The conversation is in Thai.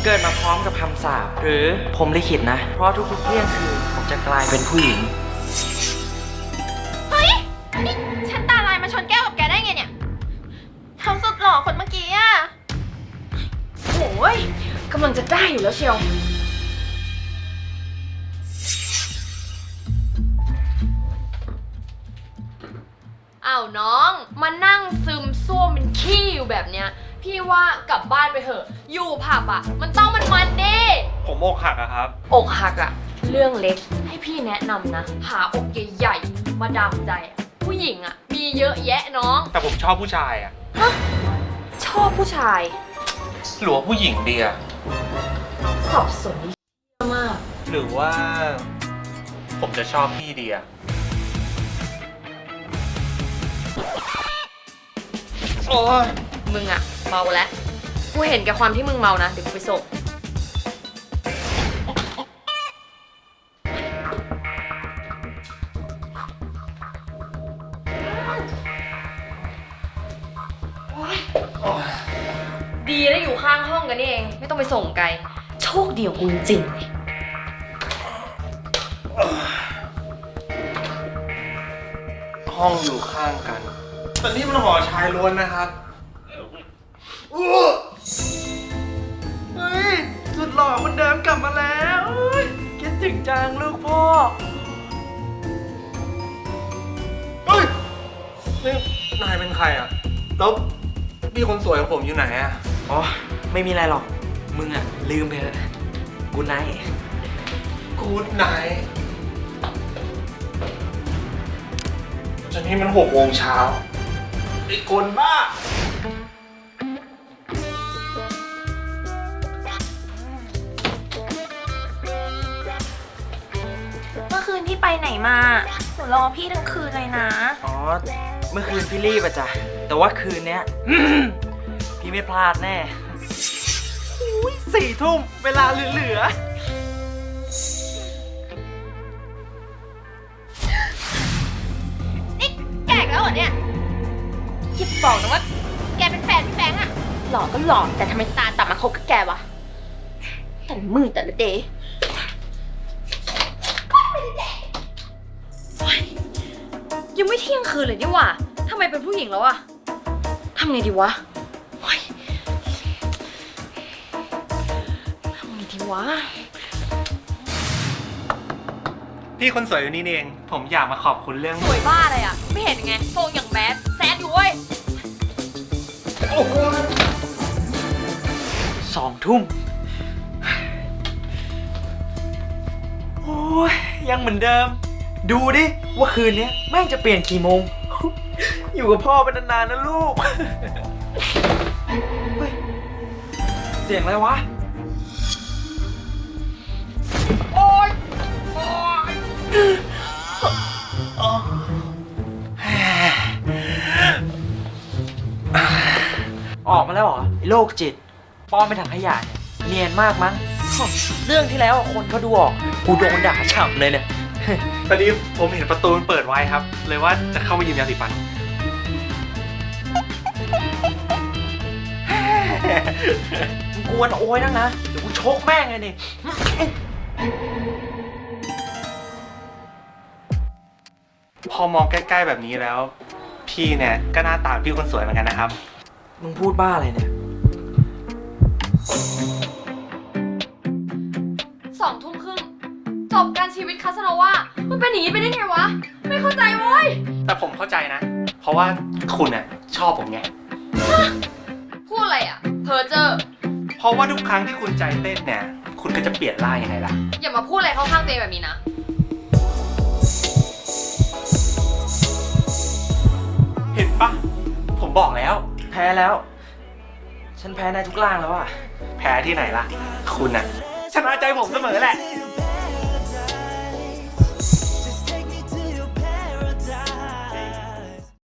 เกิดมาพร้อมกับคำสาปหรือผมลิขิตนะ เพราะทุกๆเที่ยงคืนผมจะกลายเป็นผู้หญิงเฮ้ย นี่ฉันตาลายมาชนแก้วกับแกได้ไงเนี่ยทำสุดหล่อคนเมื่อกี้อะโอ้ยกำลังจะได้อยู่แล้วเชียวอ้าวน้องมานั่งซึมซ่วมเป็นขี้อยู่แบบเนี้ยพี่ว่ากลับบ้านไปเถอะอยู่ผับอ่ะมันต้องมันๆดิผมอกหักอะครับอกหักอ่ะเรื่องเล็กให้พี่แนะนำนะหาอกใหญ่ๆมาดามใจอะผู้หญิงอ่ะมีเยอะแยะน้องแต่ผมชอบผู้ชายอะฮะชอบผู้ชายหรือว่าผู้หญิงดีอะสับสนมากหรือว่า ผมจะชอบพี่ดีอะโอ้ยมึงอ่ะเมาแล้วกูเห็นแกความที่มึงเมานะเดี๋ยวกูไปส่งดีได้อยู่ข้างห้องกันนี่เองไม่ต้องไปส่งไกลโชคดีของกูจริงๆห้องอยู่ข้างกันแต่นี่มันหอชายล้วนนะครับเฮ้ยสุดหล่อคนเดิมกลับมาแล้วคิดถึงจังลูกพ่อเฮ้ยนี่นายเป็นใครอะแล้วพี่คนสวยของผมอยู่ไหนอะอ๋อ ไม่มีอะไรหรอก มึงอะลืมไปเถอะกูไนท์กูดไนท์จนนี่มัน6 โมงเช้าไอ้คนบ้าเมื่อคืนพี่ไปไหนมาหนูรอพี่ทั้งคืนเลยนะอ๋อ เมื่อคืนพี่รีบอะจ้ะ แต่ว่าคืนเนี้ย พี่ไม่พลาดแน่อุ้ย4 ทุ่มเวลาเหลือนี่แกอีกแล้วเหรอเนี่ยอย่าบอกนะว่าแกเป็นแฟนพี่แฟงอะหล่อก็หล่อแต่ทำไมตาต่ำมาคบกับแกวะแต่ละมือแต่ละเดย์ยังไม่เที่ยงคืนเลยนี่หว่าทำไมเป็นผู้หญิงแล้วอะทำไงดีวะโอ๊ยทำไงดีวะพี่คนสวยอยู่นี่เอง ผมอยากมาขอบคุณเรื่องสวยบ้าเลยอะไม่เห็นยังไงทรงอย่างแบดแซดอยู่เว้ยโอ้โห 2 ทุ่ม โอ้ยยังเหมือนเดิม ดูดิ ว่าคืนนี้แม่งจะเปลี่ยนกี่โมง อยู่กับพ่อเป็นนานๆนะลูก เฮ้ย เสียงอะไรวะ โอ๊ย โอ๊ย ออกมาแล้วเหรอไอ้โรคจิตป้อมไปถังขยะเนี่ยเนียนมากมั้ง เรื่องที่แล้วคนเขาดูออก กูโดนด่าฉ่ำเลยเนี่ยตอนนี้ผมเห็นประตูมันเปิดไว้ครับ เลยว่าจะเข้าไปยืมยาสีฟันมึงกวนโอ้ยนักนะ เดี๋ยวกูชกแม่งเลยนี่พอมองใกล้ๆแบบนี้แล้ว พี่เนี่ยก็หน้าตาพี่คนสวยเหมือนกันนะครับมึงพูดบ้าอะไรเนี่ย 2 ทุ่มครึ่งจบการชีวิตคาสโนว่ามันเป็นอย่างนี้ไปได้ไงวะ ไม่เข้าใจเว้ยแต่ผมเข้าใจนะ เพราะว่าคุณน่ะชอบผมไงพูดอะไรอ่ะเพอเจอร์เพราะว่าทุกครั้งที่คุณใจเต้นเนี่ย คุณก็จะเปลี่ยนร่างยังไงล่ะอย่ามาพูดอะไรเข้าข้างตัวเองแบบนี้นะเห็นปะผมบอกแล้วแพ้แล้ว ฉันแพ้ในทุกร่างแล้วอะแพ้ที่ไหนล่ะ คุณน่ะชนะใจผมเสมอแหละ Zero